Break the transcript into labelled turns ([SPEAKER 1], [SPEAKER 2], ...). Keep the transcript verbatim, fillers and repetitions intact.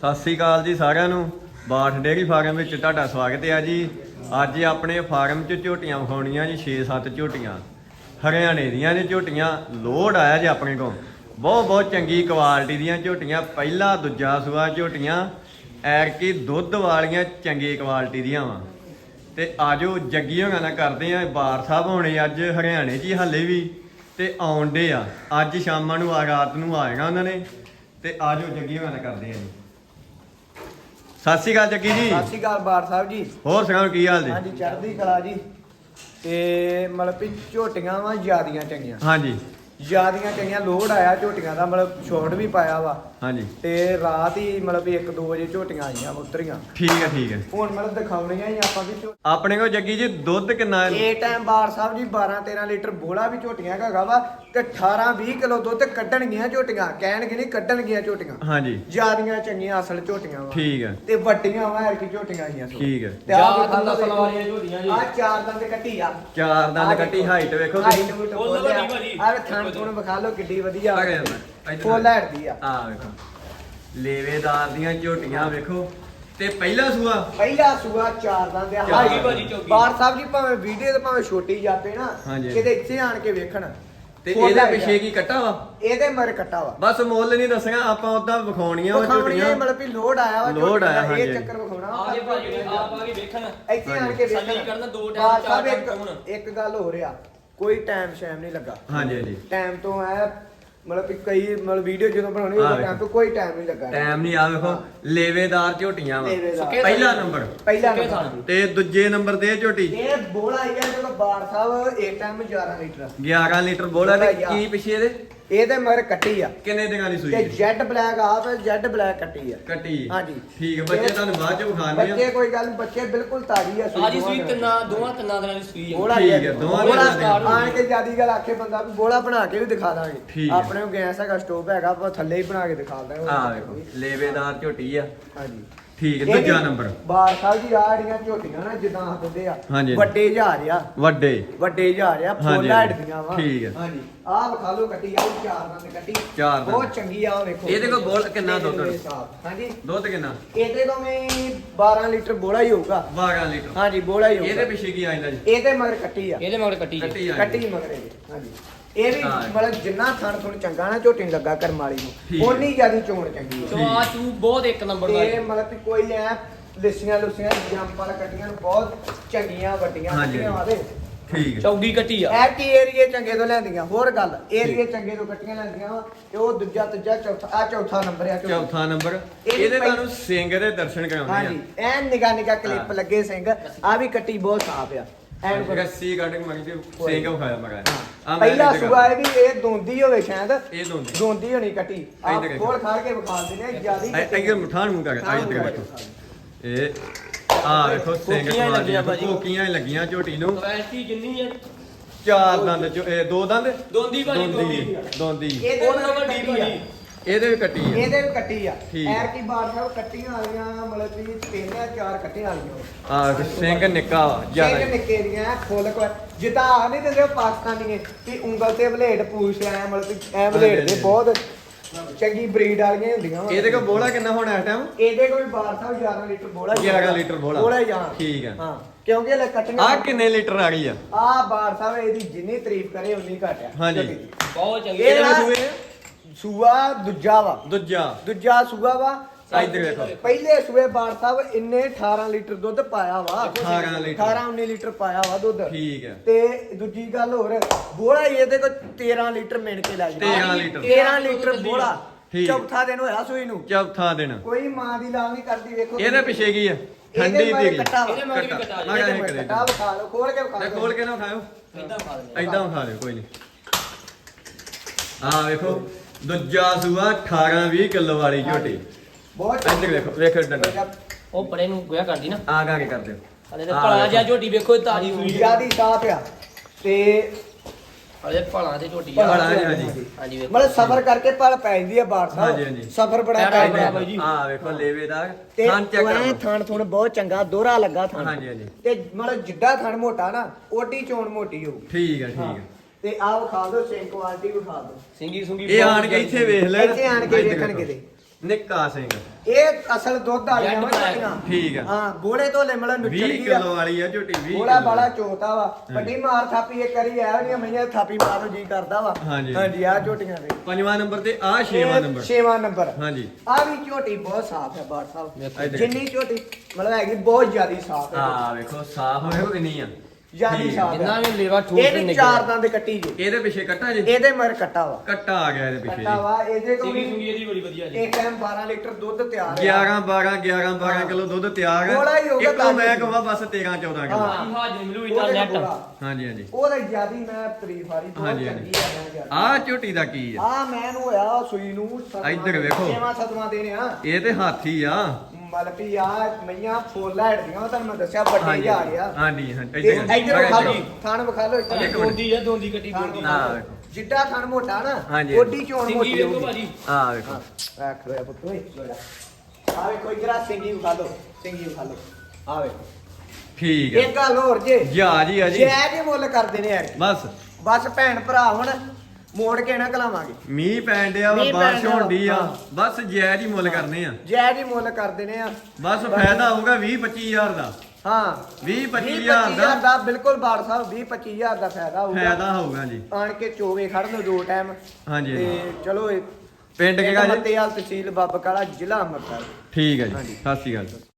[SPEAKER 1] ਸਤਿ ਸ੍ਰੀ ਅਕਾਲ ਜੀ ਸਾਰਿਆਂ ਨੂੰ। ਬਾਠ ਡੇਅਰੀ ਫਾਰਮ ਵਿੱਚ ਤੁਹਾਡਾ ਸਵਾਗਤ ਹੈ ਜੀ। ਅੱਜ ਆਪਣੇ ਫਾਰਮ 'ਚ ਝੋਟੀਆਂ ਵਿਖਾਉਣੀਆਂ ਜੀ, ਛੇ ਸੱਤ ਝੋਟੀਆਂ ਹਰਿਆਣੇ ਦੀਆਂ ਨੇ ਝੋਟੀਆਂ। ਲੋਡ ਆਇਆ ਜੀ ਆਪਣੇ ਕੋਲ, ਬਹੁਤ ਬਹੁਤ ਚੰਗੀ ਕੁਆਲਿਟੀ ਦੀਆਂ ਝੋਟੀਆਂ। ਪਹਿਲਾ ਦੂਜਾ ਸੂਆ ਝੋਟੀਆਂ ਐਰਕੀ ਦੁੱਧ ਵਾਲੀਆਂ ਚੰਗੀ ਕੁਆਲਿਟੀ ਦੀਆਂ ਵਾ। ਤੇ ਆਜੋ ਜੱਗੀ ਹੋਣਾ ਨਾਲ ਕਰਦੇ ਆ। ਬਾਰ ਸਾਹਿਬ ਹੋਣੇ ਅੱਜ ਹਰਿਆਣੇ 'ਚ ਹੀ ਹਾਲੇ ਵੀ ਤੇ ਆਉਂਦੇ ਆ। ਅੱਜ ਸ਼ਾਮਾਂ ਨੂੰ ਆ ਰਾਤ ਨੂੰ ਆਏਗਾ ਉਹਨਾਂ ਨੇ। ਤੇ ਆਜੋ ਜੱਗੀ ਹੋਣਾ ਨਾਲ ਕਰਦੇ ਆ ਜੀ। ਸਤਿ ਸ਼੍ਰੀ ਅਕਾਲ ਜੱਗੀ ਜੀ।
[SPEAKER 2] ਸਤਿ ਸ਼੍ਰੀ ਅਕਾਲ ਬਾਰ ਸਾਹਿਬ ਜੀ।
[SPEAKER 1] ਹੋਰ ਸੁਣਾਓ ਕੀ ਹਾਲ ਜੀ?
[SPEAKER 2] ਹਾਂਜੀ ਚੜ੍ਹਦੀ ਕਲਾ ਜੀ। ਤੇ ਮਤਲਬ ਵੀ ਝੋਟੀਆਂ ਵਾ ਜਿਆਦੀਆਂ ਚੰਗੀਆਂ,
[SPEAKER 1] ਹਾਂਜੀ
[SPEAKER 2] ਜਿਆਦੀਆਂ ਚੰਗੀਆਂ। ਲੋਡ ਆਇਆ ਝੋਟੀਆਂ ਦਾ, ਮਤਲਬ ਛੋਟ ਵੀ ਪਾਇਆ ਵਾ।
[SPEAKER 1] ਹਾਂਜੀ
[SPEAKER 2] ਤੇ ਰਾਤ ਹੀ ਮਤਲਬ ਵੀ ਇੱਕ ਦੋ ਵਜੇ ਝੋਟੀਆਂ ਆਈਆਂ ਉਤਰੀਆਂ।
[SPEAKER 1] ਠੀਕ ਹੈ ਠੀਕ ਹੈ।
[SPEAKER 2] ਹੁਣ ਮਤਲਬ ਦਿਖਾਉਣੀਆਂ ਹੀ ਆਪਾਂ ਵੀ ਝੋ-
[SPEAKER 1] ਆਪਣੇ ਕੋਲ ਜੱਗੀ ਜੀ ਦੁੱਧ ਕਿੰਨਾ ਹੈ?
[SPEAKER 2] ਇਹ ਟਾਈਮ ਬਾਰ ਸਾਹਿਬ ਜੀ ਬਾਰਾਂ ਤੇਰਾਂ ਲੀਟਰ ਬੋਲਾ ਵੀ ਝੋਟੀਆਂ ਹੈਗਾ ਵਾ। ਤੇ ਅਠਾਰਾਂ ਵੀਹ ਕਿਲੋ ਦੁੱਧ ਕੱਢਣਗੀਆਂ ਝੋਟੀਆਂ, ਕਹਿਣਗੇ ਨਹੀਂ ਕੱਢਣਗੀਆਂ ਝੋਟੀਆਂ।
[SPEAKER 1] ਹਾਂਜੀ
[SPEAKER 2] ਜਿਆਦੀਆਂ ਚੰਗੀਆਂ ਅਸਲ ਝੋਟੀਆਂ ਵਾ।
[SPEAKER 1] ਠੀਕ ਹੈ
[SPEAKER 2] ਤੇ ਵੱਡੀਆਂ ਵਾ ਐਰ ਕੀ ਝੋਟੀਆਂ ਆਈਆਂ ਸੋ।
[SPEAKER 1] ਠੀਕ ਹੈ।
[SPEAKER 2] ਤੇ ਆਹ
[SPEAKER 3] ਚਾਰ
[SPEAKER 2] ਦਿਖਾ
[SPEAKER 3] ਦੰਦਾਂ
[SPEAKER 2] ਲਓ
[SPEAKER 3] ਵਾਲੀਆਂ ਝੋਟੀਆਂ ਜੀ।
[SPEAKER 2] ਆਹ ਚਾਰ ਦੰਦ ਕੱਟੀ ਆ।
[SPEAKER 1] ਚਾਰ ਦੰਦ ਕੱਟੀ ਹਾਈਟ ਵੇਖੋ ਤੁਸੀਂ।
[SPEAKER 3] ਫੁੱਲ ਵੱਡੀ ਭਾਜੀ।
[SPEAKER 2] ਆਹ ਥਣ ਥਣ ਵਿਖਾ ਲਓ ਕਿੱਡੀ ਵਧੀਆ
[SPEAKER 1] ਆ ਗਿਆ ਮੈਂ
[SPEAKER 2] ਫੁੱਲ ਹੈੜਦੀ ਆ।
[SPEAKER 1] ਆ ਵੇਖੋ ਲੇਵੇਦਾਰ ਦੀਆਂ ਝੋਟੀਆਂ ਵੇਖੋ। ਤੇ ਪਹਿਲਾ ਸੂਆ
[SPEAKER 2] ਪਹਿਲਾ ਸੂਆ ਚਾਰ ਦੰਦ ਆ।
[SPEAKER 3] ਚੌਗੀ ਭਾਜੀ, ਚੌਗੀ।
[SPEAKER 2] ਬਾਰ ਸਾਹਿਬ ਜੀ ਭਾਵੇਂ ਵੀਡੀਓ ਤੇ ਭਾਵੇਂ ਛੋਟੀ ਜਾਪੇ ਨਾ,
[SPEAKER 1] ਹਾਂਜੀ।
[SPEAKER 2] ਕਿਤੇ ਇੱਥੇ ਆਣ ਕੇ ਵੇਖਣ।
[SPEAKER 1] ਤੇ
[SPEAKER 2] ਫੁੱਲ
[SPEAKER 1] ਇਹਦੇ
[SPEAKER 2] ਹੈਗਾ।
[SPEAKER 1] ਪਿੱਛੇ ਕੀ ਕੱਟਾ ਵਾ?
[SPEAKER 2] ਇਹਦੇ ਮਰ ਕੱਟਾ ਵਾ।
[SPEAKER 1] ਬਸ ਮੁੱਲ ਨਹੀਂ ਦੱਸਣਾ ਆਪਾਂ, ਉਦਾਂ ਵਿਖਾਉਣੀਆਂ ਵਾ
[SPEAKER 2] ਵਿਖਾਉਣੀਆਂ
[SPEAKER 1] ਝੋਟੀਆਂ।
[SPEAKER 2] ਮਤਲਬ ਵੀ ਲੋਡ ਆਇਆ ਵਾ
[SPEAKER 1] ਲੋਡ
[SPEAKER 2] ਝੋਟੀਆਂ
[SPEAKER 1] ਆਇਆ,
[SPEAKER 2] ਦਾ।
[SPEAKER 1] ਹਾਂਜੀ।
[SPEAKER 2] ਇਹ ਚੱਕਰ ਵਿਖਾਉਣਾ ਵਾ।
[SPEAKER 3] ਆ ਕੇ ਭਾਜੀ ਆਪ ਆ ਕੇ ਵੇਖਣ।
[SPEAKER 2] ਇੱਥੇ ਆਣ ਕੇ
[SPEAKER 3] ਤਸੱਲੀ
[SPEAKER 2] ਵੇਖਣ
[SPEAKER 3] ਕਰਨ, ਦੋ ਟਾਈਮ,
[SPEAKER 2] ਬਾਰ
[SPEAKER 3] ਚਾਰ
[SPEAKER 2] ਸਾਹਿਬ
[SPEAKER 3] ਟਾਈਮ
[SPEAKER 2] ਇੱਕ
[SPEAKER 3] ਹੋਣ।
[SPEAKER 2] ਇੱਕ ਗੱਲ ਹੋ ਰਿਹਾ, ਕੋਈ ਟਾਈਮ ਸ਼ੈਮ ਨਹੀਂ ਲੱਗਾ।
[SPEAKER 1] ਹਾਂਜੀ ਹਾਂਜੀ
[SPEAKER 2] ਟਾਈਮ ਤੋਂ ਹੈ ਮਤਲਬ ਵੀ ਕਈ ਮਤਲਬ ਵੀਡੀਓ ਜਦੋਂ ਬਣਾਉਣੀ
[SPEAKER 1] ਹਾਂ
[SPEAKER 2] ਉਹਦਾ
[SPEAKER 1] ਵੇਖੋ।
[SPEAKER 2] ਟਾਈਮ ਤੋਂ ਕੋਈ ਟਾਈਮ ਨਹੀਂ ਲੱਗਾ।
[SPEAKER 1] ਟਾਈਮ ਨਹੀਂ ਆ ਵੇਖੋ ਲੇਵੇਦਾਰ ਝੋਟੀਆਂ ਵਾ।
[SPEAKER 2] ਲੇਵੇਦਾਰ।
[SPEAKER 1] ਪਹਿਲਾ ਨੰਬਰ।
[SPEAKER 2] ਪਹਿਲਾ
[SPEAKER 3] ਸੁੱਕੇ
[SPEAKER 2] ਨੰਬਰ।
[SPEAKER 3] ਥਣ।
[SPEAKER 1] ਤੇ ਦੂਜੇ ਨੰਬਰ ਤੇ ਇਹ ਝੋਟੀ
[SPEAKER 2] ਇਹ ਬੋਲਾ ਹੀ ਆ ਜਦੋਂ ਬਾਰ ਸਾਹਿਬ ਇੱਕ ਟਾਈਮ ਗਿਆਰਾਂ ਲੀਟਰ।
[SPEAKER 1] ਗਿਆਰਾਂ ਲੀਟਰ ਬੋਲਾ। ਤੇ ਕੀ ਪਿੱਛੇ ਇਹਦੇ
[SPEAKER 2] ਇਹਦੇ ਮਗਰ ਕੱਟੀ ਆ।
[SPEAKER 1] ਕਿੰਨੇ ਦਿਨਾਂ ਦੀ ਸੂਈ
[SPEAKER 2] ਤੇ
[SPEAKER 1] ਹੈ?
[SPEAKER 2] ਜੈਡ ਬਲੈਕ ਆਪ ਹੈ, ਜੈਡ ਬਲੈਕ ਕੱਟੀ ਆ।
[SPEAKER 1] ਕੱਟੀ
[SPEAKER 2] ਹਾਂਜੀ।
[SPEAKER 1] ਠੀਕ ਹੈ। ਬੱਚੇ ਤੁਹਾਨੂੰ ਬਾਅਦ ਚ ਵਿਖਾਣੇ
[SPEAKER 2] ਬੱਚੇ
[SPEAKER 1] ਆ।
[SPEAKER 2] ਕੋਈ ਗੱਲ ਨੀ, ਬੱਚੇ ਬਿਲਕੁਲ ਤਾਜ਼ੀ ਆ।
[SPEAKER 3] ਆਜੀ ਸੂਈ ਤਿੰਨਾਂ ਦੋਵਾਂ ਤਿੰਨਾਂ ਦਿਨਾਂ ਦੀ ਸੂਈ ਹੈ।
[SPEAKER 2] ਬੋਲਾ
[SPEAKER 1] ਠੀਕ
[SPEAKER 2] ਹੀ
[SPEAKER 1] ਹੈ,
[SPEAKER 2] ਆ।
[SPEAKER 1] ਦੋਵਾਂ
[SPEAKER 2] ਬੋਲਾ
[SPEAKER 1] ਦਿਨਾਂ ਦੀ।
[SPEAKER 2] ਆਣ ਕੇ ਜਿਆਦੀ ਗੱਲ ਆਖੇ ਬੰਦਾ ਵੀ ਬੋਲਾ ਬਣਾ ਕੇ ਵੀ ਦਿਖਾ ਦਾਂਗੇ।
[SPEAKER 1] ਠੀਕ ਹੈ।
[SPEAKER 2] ਆਪਣੇ ਕੋਲ ਗੈਸ ਹੈਗਾ, ਸਟੋਵ ਹੈਗਾ, ਆਪਾਂ ਥੱਲੇ ਹੀ ਬਣਾ ਕੇ ਦਿਖਾ ਦਾਂਗੇ।
[SPEAKER 1] ਆ ਵੇਖੋ ਲੇਵੇਦਾਰ ਝੋਟੀ ਆ।
[SPEAKER 2] ਹਾਂਜੀ
[SPEAKER 1] ਠੀਕ ਹੈ। ਦੂਜਾ ਨੰਬਰ
[SPEAKER 2] ਬਾਰ ਸਾਹਿਬ ਜੀ ਆਹ ਜਿਹੜੀਆਂ ਝੋਟੀਆਂ ਨਾ ਜਿੱਦਾਂ ਆਖਦੇ ਆ
[SPEAKER 1] ਹਾਂਜੀ।
[SPEAKER 2] ਵੱਡੇ ਜਹਾਜ਼ ਆ।
[SPEAKER 1] ਵੱਡੇ
[SPEAKER 2] ਵੱਡੇ ਜਹਾਜ਼ ਆ,
[SPEAKER 1] ਹਾਂਜੀ,
[SPEAKER 2] ਫੁੱਲ
[SPEAKER 1] ਹਾਂਜੀ।
[SPEAKER 2] ਹੈਡਦੀਆਂ ਵਾ।
[SPEAKER 1] ਠੀਕ ਹੈ।
[SPEAKER 2] ਹਾਂਜੀ ਆਹ ਵਿਖਾ ਲਓ ਕੱਟੀ ਆ, ਚਾਰ ਦੰਦ ਕੱਟੀ।
[SPEAKER 1] ਚਾਰ ਦੰਦ।
[SPEAKER 2] ਬਹੁਤ ਚੰਗੀ ਆ, ਉਹ ਵੇਖੋ।
[SPEAKER 1] ਇਹਦੇ ਕੋਲ ਬੋਲ ਕਿੰਨਾ ਦੁੱਧ?
[SPEAKER 2] ਹਾਂਜੀ
[SPEAKER 1] ਦੁੱਧ ਕਿੰਨਾ?
[SPEAKER 2] ਇਹਦੇ ਤੋਂ ਵੀ ਬਾਰਾਂ ਲੀਟਰ ਬੋਲਾ ਹੀ ਹੋਊਗਾ।
[SPEAKER 1] ਬਾਰਾਂ ਲੀਟਰ।
[SPEAKER 2] ਹਾਂਜੀ ਬੋਲਾ ਹੀ ਹੋਊਗਾ।
[SPEAKER 1] ਇਹਦੇ ਪਿੱਛੇ ਕੀ ਆ ਜਾਂਦਾ ਜੀ?
[SPEAKER 2] ਇਹਦੇ ਮਗਰ ਕੱਟੀ ਆ।
[SPEAKER 3] ਇਹਦੇ ਮਗਰ ਕੱਟੀ ਜੀ।
[SPEAKER 1] ਕੱਟੀ ਆ
[SPEAKER 2] ਕੱਟੀ ਮਗਰ ਇਹਦੇ। ਹਾਂਜੀ ਇਹ ਵੀ
[SPEAKER 1] ਹਾਂ।
[SPEAKER 2] ਮਤਲਬ ਜਿੰਨਾ ਥਣ ਥਣ ਚੰਗਾ ਨਾ ਝੋਟੀ ਨੂੰ ਲੱਗਾ ਕਰਮ ਵਾਲੀ
[SPEAKER 1] ਠੀਕ
[SPEAKER 2] ਨੂੰ,
[SPEAKER 1] ਹੈ।
[SPEAKER 2] ਓਨੀ ਜਿਆਦੀ ਚੋਣ ਚੰਗੀ ਹੈ।
[SPEAKER 3] ਚਵਾ ਚੂ ਬਹੁਤ ਇੱਕ ਨੰਬਰ ਦਾ
[SPEAKER 2] ਇਹ
[SPEAKER 3] ਹੈ।
[SPEAKER 2] ਮਤਲਬ ਕਿ ਕੋਈ ਐ ਲਿਸੀਆਂ ਲੁਸੀਆਂ ਜੰਪਾਲ ਕੱਟੀਆਂ ਨੂੰ ਬਹੁਤ ਚੰਗੀਆਂ ਵੱਡੀਆਂ
[SPEAKER 1] ਹਾਂਜੀ।
[SPEAKER 2] ਕੱਟੀਆਂ ਵਾਦੇ।
[SPEAKER 1] ਠੀਕ ਹੈ।
[SPEAKER 3] ਚੌਗੀ ਕੱਟੀ ਆ।
[SPEAKER 2] ਐ ਕੀ ਏਰੀਏ ਚੰਗੇ ਤੋਂ ਲੈਂਦੀਆਂ। ਹੋਰ ਗੱਲ ਏਰੀਏ ਚੰਗੇ ਤੋਂ ਕੱਟੀਆਂ ਲੈਂਦੀਆਂ ਵਾ। ਤੇ ਉਹ ਦੂਜਾ ਤੀਜਾ ਚੌਥਾ ਆ ਚੌਥਾ ਨੰਬਰ ਆ ਝੋਟੀ।
[SPEAKER 1] ਚੌਥਾ ਨੰਬਰ।
[SPEAKER 2] ਇਹ ਵੀ
[SPEAKER 1] ਇਹਦੇ
[SPEAKER 2] ਪਹਿ-
[SPEAKER 1] ਤੁਹਾਨੂੰ ਸਿੰਘ ਦੇ ਦਰਸ਼ਨ ਕਰਾਉਣੇ
[SPEAKER 2] ਹਾਂਜੀ
[SPEAKER 1] ਆ।
[SPEAKER 2] ਐ ਨਿਗਾ ਨਿਗਾ ਕਲਿੱਪ
[SPEAKER 1] ਹਾਂ।
[SPEAKER 2] ਲੱਗੇ ਸਿੰਘ। ਆ ਵੀ ਕੱਟੀ ਬਹੁਤ ਸਾਫ ਆ। ਐਨ ਕੋਈ-
[SPEAKER 1] ਰੱਸੀ ਕੱਢ ਕੇ ਮੰਗੀ ਤੇ ਸਿੰਘ ਵਿਖਾਇਆ ਮਗਾ। ਆ
[SPEAKER 2] ਪਹਿਲਾ ਸੂਆ ਇਹ ਵੀ ਇਹ ਦੋਂਦੀ ਹੋਵੇ ਸ਼ਾਇਦ।
[SPEAKER 1] ਇਹ ਦੋਂਦੀ।
[SPEAKER 2] ਦੋਂਦੀ ਹੋਣੀ ਕੱਟੀ। ਆ
[SPEAKER 1] ਇੱਧਰ ਦੇਖੋ।
[SPEAKER 2] ਖੋਲ ਖਾ ਕੇ ਵਿਖਾ ਦਿੰਦੇ ਨੇ ਜਿਆਦੀ
[SPEAKER 1] ਇਹ ਮੁਠਾਣ ਮੂੰਹ ਕਰ ਆਈ ਤੇ ਦੇਖੋ। ਇਹ ਆ ਵੇਖੋ ਸਿੰਘ
[SPEAKER 3] ਕੋਕੀਆਂ ਹੀ ਲੱਗੀਆਂ ਭਾਜੀ।
[SPEAKER 1] ਕੋਕੀਆਂ ਹੀ ਲੱਗੀਆਂ ਝੋਟੀ ਨੂੰ।
[SPEAKER 3] ਕੁਆਲਿਟੀ ਜਿੰਨੀ ਹੈ
[SPEAKER 1] ਚਾਰ ਦੰਦ ਚੋ ਇਹ ਦੋ ਦੰਦ
[SPEAKER 3] ਦੋਂਦੀ ਭਾਜੀ
[SPEAKER 1] ਦੋਂਦੀ ਦੋਂਦੀ।
[SPEAKER 2] ਇਹਦੇ
[SPEAKER 3] ਉਹ
[SPEAKER 2] ਨਾਲ
[SPEAKER 3] ਨੰਬਰ
[SPEAKER 2] ਕੱਟੀ
[SPEAKER 3] ਡੀ
[SPEAKER 2] ਆ।
[SPEAKER 3] ਭਾਜੀ।
[SPEAKER 1] ਇਹਦੇ ਵੀ ਕੱਟੀ ਆ।
[SPEAKER 2] ਇਹਦੇ ਵੀ ਕੱਟੀ ਆ।
[SPEAKER 1] ਠੀਕ।
[SPEAKER 2] ਐਰ ਕੀ ਬਾਰ ਸਾਹਿਬ ਕੱਟੀਆਂ ਵਾਲੀਆਂ ਮਤਲਬ ਕਿ ਤਿੰਨ ਜਾਂ ਚਾਰ ਕੱਟੀਆਂ ਵਾਲੀਆਂ।
[SPEAKER 1] ਆ ਸਿੰਘ ਨਿੱਕਾ ਵਾ ਜ਼ਿਆਦਾ
[SPEAKER 2] ਸਿੰਘ
[SPEAKER 1] ਹੀ।
[SPEAKER 2] ਨਿੱਕੇ ਦੀਆਂ ਫੁੱਲ ਕੋ ਜਿੱਦਾਂ ਆ ਨਹੀਂ ਦਿੰਦੇ ਉਹ ਪਾਕਿਸਤਾਨੀ ਕਿ ਉਂਗਲ ਤੇ ਬਲੇਡ ਪੂਛ ਐ ਮਤਲਬ ਕਿ ਐ ਬਲੇਡ ਦੇ ਬਹੁਤ ਚੰਗੀ ਬਰੀਡ ਵਾਲੀਆਂ ਹੁੰਦੀਆਂ ਵਾ।
[SPEAKER 1] ਇਹਦੇ ਕੋਲ ਬੋਲਾ ਕਿੰਨਾ ਹੋਣਾ ਇਸ ਟਾਈਮ?
[SPEAKER 2] ਇਹਦੇ ਕੋਲ ਬਾਰ ਸਾਹਿਬ ਗਿਆਰਾਂ ਲੀਟਰ ਬੋਲਾ ਹੀ
[SPEAKER 1] ਗਿਆਰਾਂ ਲੀਟਰ ਬੋਲਾ।
[SPEAKER 2] ਬੋਲਾ ਹੀ ਜਾਣਾ।
[SPEAKER 1] ਠੀਕ ਹੈ।
[SPEAKER 2] ਹਾਂ ਕਿਉਂਕਿ ਇਹ ਕੱਟੀਆਂ
[SPEAKER 1] ਆ ਕਿੰਨੇ ਲੀਟਰ ਆ ਗਈ ਆ?
[SPEAKER 2] ਆ ਬਾਰ ਸਾਹਿਬ ਇਹਦੀ ਜਿੰਨੀ ਤਾਰੀਫ ਕਰੇ ਉਨੀ ਘੱਟ ਆ।
[SPEAKER 1] ਹਾਂਜੀ।
[SPEAKER 2] ਝੋਟੀ ਦੀ।
[SPEAKER 3] ਬਹੁਤ ਚੰਗੀ
[SPEAKER 2] ਇਹ
[SPEAKER 1] ਇਹਦੇ
[SPEAKER 2] ਨਾ-
[SPEAKER 1] ਸੂਏ
[SPEAKER 2] ਸੂਆ ਦੂਜਾ ਵਾ।
[SPEAKER 1] ਦੂਜਾ।
[SPEAKER 2] ਦੂਜਾ ਸੂਆ ਵਾ।
[SPEAKER 1] ਇੱਧਰ ਵੇਖੋ।
[SPEAKER 2] ਪਹਿਲੇ ਸੂਏ ਬਾਰ ਸਾਹਿਬ ਇੰਨੇ ਅਠਾਰਾਂ ਲੀਟਰ ਦੁੱਧ ਪਾਇਆ ਵਾ।
[SPEAKER 1] ਅਠਾਰਾਂ ਲੀਟਰ।
[SPEAKER 2] ਅਠਾਰਾਂ ਉੱਨੀ ਲੀਟਰ ਪਾਇਆ ਵਾ ਦੁੱਧ।
[SPEAKER 1] ਠੀਕ ਹੈ।
[SPEAKER 2] ਤੇ ਦੂਜੀ ਗੱਲ ਹੋਰ ਬੋਲਾ ਹੀ ਇਹਦੇ ਕੋਲ ਤੇਰਾਂ ਲੀਟਰ ਮਿਣ ਕੇ ਲੈ ਜਾਂਦਾ।
[SPEAKER 1] ਤੇਰਾਂ ਲੀਟਰ।
[SPEAKER 2] ਤੇਰਾਂ ਲੀਟਰ ਬੋਲਾ।
[SPEAKER 1] ਠੀਕ।
[SPEAKER 2] ਚੌਥਾ ਦਿਨ ਹੋਇਆ ਸੂਈ ਨੂੰ।
[SPEAKER 1] ਚੌਥਾ ਦਿਨ।
[SPEAKER 2] ਕੋਈ ਮਾਂ ਦੀ ਲਾਲ ਨਹੀਂ ਕਰਦੀ ਵੇਖੋ।
[SPEAKER 1] ਇਹਦੇ ਪਿੱਛੇ ਕੀ ਆ?
[SPEAKER 2] ਇਹਦੇ
[SPEAKER 1] ਠੰਡੀ
[SPEAKER 2] ਮਗਰ
[SPEAKER 1] ਧੀਰੀ।
[SPEAKER 2] ਕੱਟਾ ਵਾ।
[SPEAKER 3] ਇਹਦੇ ਮਗਰ ਵੀ ਕੱਟਾ
[SPEAKER 1] ਮੈਂ
[SPEAKER 2] ਇਹਦੇ
[SPEAKER 1] ਕਿਹਾ
[SPEAKER 2] ਮਗਰ
[SPEAKER 1] ਇੱਕ ਦੇ
[SPEAKER 2] ਕੱਟਾ ਵਿਖਾ ਲਓ, ਖੋਲ ਕੇ ਵਿਖਾ
[SPEAKER 1] ਤੇ
[SPEAKER 2] ਲਓ।
[SPEAKER 1] ਖੋਲ ਕੇ ਨਾ ਖਾਓ।
[SPEAKER 3] ਇਦਾਂ ਖਾ ਦਿੰਦੇ
[SPEAKER 1] ਐਦਾਂ ਖਾ ਲਿਓ ਕੋਈ ਨਹੀਂ। ਆ ਵੇਖੋ ਦੂਜਾ ਸੂਆ ਅਠਾਰਾਂ ਵੀਹ ਕਿਲੋ ਵਾਲੀ ਝੋਟੀ।
[SPEAKER 2] ਬਹੁਤ
[SPEAKER 1] ਇੱਧਰ ਵੇਖੋ ਵੇਖੋ ਡੰਡਾ।
[SPEAKER 3] ਉਹ ਪਰੇ ਨੂੰ ਗੋਇਆ ਕਰਦੀ ਨਾ।
[SPEAKER 1] ਆ ਗਾ ਕੇ ਕਰ ਦਿਓ।
[SPEAKER 3] ਹਲੇ ਤੇ ਭਲਾ ਜਿਹਾ ਝੋਟੀ ਵੇਖੋ ਤਾਜੀ ਸੂਈ ਆ।
[SPEAKER 2] ਜਿਆਦੀ ਸਾਫ ਆ। ਤੇ
[SPEAKER 3] ਹਲੇ ਭਲਾ ਤੇ ਝੋਟੀ
[SPEAKER 1] ਭਲਾ
[SPEAKER 3] ਆ।
[SPEAKER 1] ਜੀ, ਹਾਂਜੀ।
[SPEAKER 3] ਹਾਂਜੀ ਵੇਖੋ
[SPEAKER 2] ਮਤਲਬ ਸਫਰ ਕਰਕੇ ਪਲ ਪੈ ਜਾਂਦੀ ਆ ਬਾਰ
[SPEAKER 1] ਹਾਂਜੀ,
[SPEAKER 2] ਸਾਹਿਬ।
[SPEAKER 1] ਹਾਂਜੀ।
[SPEAKER 2] ਸਫਰ ਬੜਾ
[SPEAKER 3] ਪੈਰਾਂ
[SPEAKER 2] ਪੈ
[SPEAKER 3] ਬੜਾ
[SPEAKER 2] ਜਾਂਦਾ
[SPEAKER 3] ਬਾਈ ਜੀ।
[SPEAKER 1] ਆ ਵੇਖੋ ਲੇਵੇਦਾਰ
[SPEAKER 2] ਤੇ
[SPEAKER 1] ਥਣ ਚੈੱਕ
[SPEAKER 2] ਐਂ
[SPEAKER 1] ਕਰੋ।
[SPEAKER 2] ਥਣ ਥੁਣ ਬਹੁਤ ਚੰਗਾ ਦੋਹਰਾ ਲੱਗਾ ਥਣ।
[SPEAKER 1] ਹਾਂਜੀ, ਹਾਂਜੀ।
[SPEAKER 2] ਤੇ ਮਤਲਬ ਜਿੱਡਾ ਥਣ ਮੋਟਾ ਨਾ ਓਡੀ ਚੋਣ ਮੋਟੀ ਹੋਊ।
[SPEAKER 1] ਠੀਕ ਹੈ ਠੀਕ ਹੈ।
[SPEAKER 2] ਤੇ ਆਹ ਵਿਖਾ ਦਿਓ ਸੇਮ ਕੁਆਲਿਟੀ ਵਿਖਾ ਦਿਓ।
[SPEAKER 3] ਸਿੰਗੀ ਸੁੰਗੀ
[SPEAKER 1] ਇਹ ਆਣ ਕੇ ਇੱਥੇ ਵੇਖ ਲੈਣ।
[SPEAKER 2] ਇੱਥੇ ਆਣ ਕੇ
[SPEAKER 1] ਇੱਧਰ
[SPEAKER 2] ਵੇਖਣ
[SPEAKER 1] ਵੇਖੋ।
[SPEAKER 2] ਕਿਤੇ
[SPEAKER 1] ਨਿੱਕਾ ਸਿੰਘ
[SPEAKER 2] ਇਹ ਅਸਲ ਦੁੱਧ ਵਾਲੀਆਂ ਵਾ
[SPEAKER 3] ਜੈਡ ਬਲੈਕ।
[SPEAKER 2] ਝੋਟੀਆਂ
[SPEAKER 1] ਠੀਕ ਆ
[SPEAKER 2] ਹਾਂ ਬੋਲੇ ਧੋਲੇ ਮਤਲਬ ਨੁੱਚੜ
[SPEAKER 1] ਵੀਹ
[SPEAKER 2] ਗਈ ਆ
[SPEAKER 1] ਕਿਲੋ ਵਾਲੀ ਆ ਝੋਟੀ ਵੀਹ
[SPEAKER 2] ਬੋਲਾ
[SPEAKER 1] ਕਿਲੋ
[SPEAKER 2] ਬਾਲਾ ਚੋਤਾ ਵਾ ਵੱਡੀ ਮਾਰ ਥਾਪੀ ਇੱਕ ਕਰੀ ਆ ਨਹੀਂ ਮਈਆਂ ਥਾਪੀ ਮਾਰੋ ਜੀ ਕਰਦਾ ਵਾ
[SPEAKER 1] ਹਾਂਜੀ।
[SPEAKER 2] ਹਾਂਜੀ ਆ ਝੋਟੀਆਂ ਦੇ
[SPEAKER 1] ਪੰਜਵਾਂ ਨੰਬਰ ਤੇ ਆ ਛੇਵਾਂ ਨੰਬਰ
[SPEAKER 2] ਛੇਵਾਂ ਨੰਬਰ
[SPEAKER 1] ਹਾਂਜੀ
[SPEAKER 2] ਆ ਵੀ ਝੋਟੀ ਬਹੁਤ ਸਾਫ਼ ਹੈ ਬਾੜ
[SPEAKER 1] ਇੱਧਰ।
[SPEAKER 2] ਸਾਹਿਬ ਜਿੰਨੀ ਝੋਟੀ ਮਤਲਬ ਹੈਗੀ ਬਹੁਤ ਜ਼ਿਆਦੀ ਸਾਫ਼ ਹੈ
[SPEAKER 1] ਆ ਵੇਖੋ ਸਾਫ ਹੋਏ ਕਿੰਨੀ ਆ
[SPEAKER 2] ਜ਼ਿਆਦੀ
[SPEAKER 1] ਠੀਕ।
[SPEAKER 2] ਸਾਫ਼
[SPEAKER 3] ਜਿੰਨਾ
[SPEAKER 2] ਹੈ
[SPEAKER 3] ਵੀ ਲੇਵਾ ਠੂਸ
[SPEAKER 2] ਇਹ ਵੀ
[SPEAKER 3] ਨਿਕਲ
[SPEAKER 2] ਚਾਰ ਦੰਦ ਕੱਟੀ ਜੀ
[SPEAKER 1] ਇਹਦੇ ਪਿੱਛੇ ਕੱਟਾ ਜੀ
[SPEAKER 2] ਇਹਦੇ ਮਰ ਕੱਟਾ ਵਾ
[SPEAKER 1] ਕੱਟਾ ਆ ਗਿਆ ਇਹਦੇ ਪਿੱਛੇ
[SPEAKER 2] ਕੱਟਾ
[SPEAKER 1] ਜੀ
[SPEAKER 2] ਵਾ ਇਹਦੇ ਕੋਲ
[SPEAKER 3] ਸਿੰਗੀ
[SPEAKER 2] ਵੀ
[SPEAKER 3] ਸੁੰਗੀ ਇਹਦੀ ਬੜੀ ਵਧੀਆ ਜੀ
[SPEAKER 2] ਇੱਕ ਟਾਈਮ ਬਾਰਾਂ ਲੀਟਰ ਦੁੱਧ ਤਿਆਰ ਹੈ
[SPEAKER 1] ਗਿਆਰਾਂ ਬਾਰਾਂ ਗਿਆਰਾਂ ਬਾਰਾਂ ਕਿਲੋ ਦੁੱਧ ਤਿਆਰ
[SPEAKER 2] ਥੋੜ੍ਹਾ ਹੀ
[SPEAKER 1] ਹੈ
[SPEAKER 2] ਹੋਊਗਾ
[SPEAKER 1] ਇੱਕੋ ਮੈਂ
[SPEAKER 2] ਤਾਜ਼ੀ।
[SPEAKER 1] ਕਹਾਂ ਬਸ ਤੇਰਾਂ ਚੌਦਾਂ ਕਿਲੋ
[SPEAKER 2] ਹਾਂ।
[SPEAKER 3] ਹਾਂ ਜੀ ਮਿਲੂ
[SPEAKER 2] ਉਹਦੇ
[SPEAKER 3] ਇਦਾਂ
[SPEAKER 2] ਕੋਲ
[SPEAKER 3] ਨੈਟ
[SPEAKER 2] ਆ।
[SPEAKER 1] ਹਾਂਜੀ ਹਾਂਜੀ
[SPEAKER 2] ਉਹਦਾ ਜਿਆਦੀ ਮੈਂ ਤਾਰੀਫ ਵਾਲੀ ਬਹੁਤ
[SPEAKER 1] ਹਾਂਜੀ,
[SPEAKER 2] ਚੰਗੀ
[SPEAKER 1] ਹਾਂਜੀ।
[SPEAKER 2] ਆ ਮੈਂ ਜ਼ਿਆਦੀ।
[SPEAKER 1] ਆ ਝੋਟੀ ਦਾ ਕੀ ਆ
[SPEAKER 2] ਆ ਮੈਂ ਨੂੰ ਹੋਇਆ ਸੂਈ ਨੂੰ ਸਤਵਾਂ
[SPEAKER 1] ਇੱਧਰ ਵੇਖੋ।
[SPEAKER 2] ਛੇਵਾਂ ਸਤਵਾਂ ਦੇਣੇ ਆ
[SPEAKER 1] ਇਹ ਤੇ ਹਾਥੀ ਆ
[SPEAKER 2] ਮਤਲਬ ਵੀ ਆ ਮਈਆਂ ਫੁੱਲ ਹੈੜਦੀਆਂ ਉਹ ਤੁਹਾਨੂੰ ਮੈਂ ਦੱਸਿਆ ਵੱਡੇ ਜਾ ਰਿਹਾ
[SPEAKER 1] ਹਾਂਜੀ ਹਾਂਜੀ
[SPEAKER 2] ਤੇ
[SPEAKER 1] ਇੱਧਰ
[SPEAKER 2] ਇੱਧਰ ਵਿਖਾ ਲਓ ਥਣ ਵਿਖਾ ਲਓ
[SPEAKER 1] ਇੱਕ
[SPEAKER 2] ਇੱਧਰ
[SPEAKER 1] ਮਿੰਟ।
[SPEAKER 3] ਦੋਂਦੀ ਆ ਦੋਂਦੀ ਕੱਟੀ
[SPEAKER 2] ਥਣ
[SPEAKER 3] ਦੋਂਦੀ
[SPEAKER 2] ਵਿਖਾ
[SPEAKER 1] ਹਾਂ,
[SPEAKER 2] ਲਓ।
[SPEAKER 1] ਵੇਖੋ।
[SPEAKER 2] ਜਿੱਡਾ ਥਣ ਮੋਟਾ ਨਾ
[SPEAKER 1] ਹਾਂਜੀ।
[SPEAKER 2] ਓਡੀ ਚੋਣ
[SPEAKER 3] ਸਿੰਗੀ
[SPEAKER 2] ਮੋਟੀ
[SPEAKER 3] ਵੇਖੋ
[SPEAKER 2] ਹੋਊਗੀ
[SPEAKER 3] ਭਾਜੀ
[SPEAKER 1] ਆ ਵੇਖੋ
[SPEAKER 2] ਰੱਖ ਲੋ ਪੁੱਤ ਓਏ ਆ ਵੇਖੋ ਇਧਰ ਸਿੰਗੀ ਵਿਖਾ ਲਓ ਸਿੰਗੀ ਵਿਖਾ ਲਓ ਆ ਵੇਖੋ
[SPEAKER 1] ਠੀਕ ਹੈ
[SPEAKER 2] ਇੱਕ ਗੱਲ ਹੋਰ ਜੇ
[SPEAKER 1] ਜਾ ਜੀ ਆ ਜੀ
[SPEAKER 2] ਜੈ ਜੇ ਮੁੱਲ ਕਰਦੇ ਨੇ ਯਾਰ
[SPEAKER 1] ਬਸ
[SPEAKER 2] ਬਸ ਭੈਣ ਭਰਾ ਹੁਣ ਮੋੜ ਕੇ ਨਾ ਕਲਾਵਾਂਗੇ
[SPEAKER 1] ਮੀਂਹ ਪੈਣ ਡਿਆ ਵਾ
[SPEAKER 2] ਮੀਂਹ
[SPEAKER 1] ਬਾਰਿਸ਼
[SPEAKER 2] ਪੈਣ
[SPEAKER 1] ਹੋਣ ਡਈ ਆ
[SPEAKER 2] ਹਾਂ।
[SPEAKER 1] ਬਸ ਜਾਇਜ਼ ਹੀ ਮੁੱਲ ਕਰਨੇ ਆ
[SPEAKER 2] ਜੈ ਜੀ ਮੁੱਲ ਕਰਦੇ ਨੇ ਆ
[SPEAKER 1] ਬਸ ਫਾਇਦਾ ਹੋਊਗਾ ਵੀਹ ਪੱਚੀ ਹਜ਼ਾਰ ਦਾ
[SPEAKER 2] ਹਾਂ
[SPEAKER 1] ਵੀਹ ਪੱਚੀ
[SPEAKER 2] ਵੀਹ
[SPEAKER 1] ਹਜ਼ਾਰ
[SPEAKER 2] ਪੱਚੀ ਹਜ਼ਾਰ
[SPEAKER 1] ਦਾ
[SPEAKER 2] ਦਾ ਬਿਲਕੁਲ ਬਾੜ ਸਾਹਿਬ ਵੀਹ ਪੱਚੀ ਹਜ਼ਾਰ ਦਾ ਫਾਇਦਾ ਹੋਊਗਾ
[SPEAKER 1] ਫਾਇਦਾ ਹੋਊਗਾ ਜੀ
[SPEAKER 2] ਆਣ ਕੇ ਚੋਵੇ ਖੜ ਲਓ ਦੋ ਟਾਈਮ
[SPEAKER 1] ਹਾਂਜੀ
[SPEAKER 2] ਤੇ
[SPEAKER 1] ਹਾਂਜੀ।
[SPEAKER 2] ਚਲੋ ਇਹ
[SPEAKER 1] ਪਿੰਡ ਕਿਹੜਾ ਜੀ
[SPEAKER 2] ਮੱਤੇਵਾਲ ਤਹਿਸੀਲ ਬਾਬਕਾਲਾ ਜ਼ਿਲ੍ਹਾ ਅੰਮ੍ਰਿਤਸਰ
[SPEAKER 1] ਠੀਕ ਹੈ ਜੀ
[SPEAKER 2] ਹਾਂਜੀ।
[SPEAKER 1] ਸਤਿ ਸ਼੍ਰੀ ਅਕਾਲ